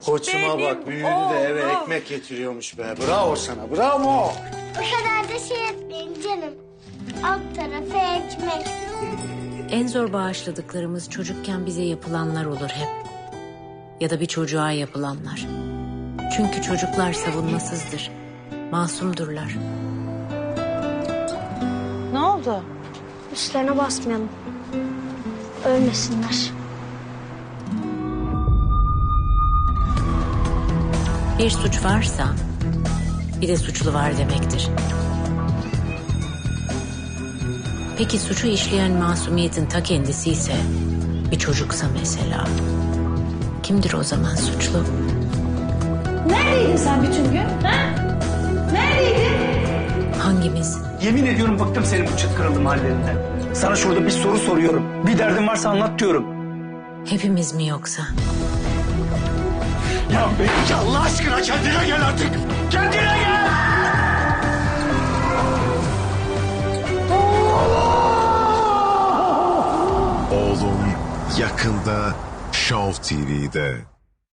Koçuma bak, büyüdü de eve ekmek getiriyormuş be. Bravo sana, bravo. Bu kadar da şey etmeyin canım. Alt tarafı ekmek. En zor bağışladıklarımız çocukken bize yapılanlar olur hep. Ya da bir çocuğa yapılanlar. Çünkü çocuklar savunmasızdır. Masumdurlar. Ne oldu? Üstlerine basmayalım. Ölmesinler. Bir suç varsa bir de suçlu var demektir. Peki suçu işleyen masumiyetin ta kendisi ise bir çocuksa mesela, kimdir o zaman suçlu? Neredeydin sen bütün gün? Ha? Neredeydin? Hangimiz? Yemin ediyorum bıktım senin bu çıt kırıldım hallerinden. Sana şurada bir soru soruyorum. Bir derdin varsa anlat diyorum. Hepimiz mi yoksa? Ya Melike Allah aşkına kendine gel artık. Kendine gel. Oğlum yakında Show TV'de.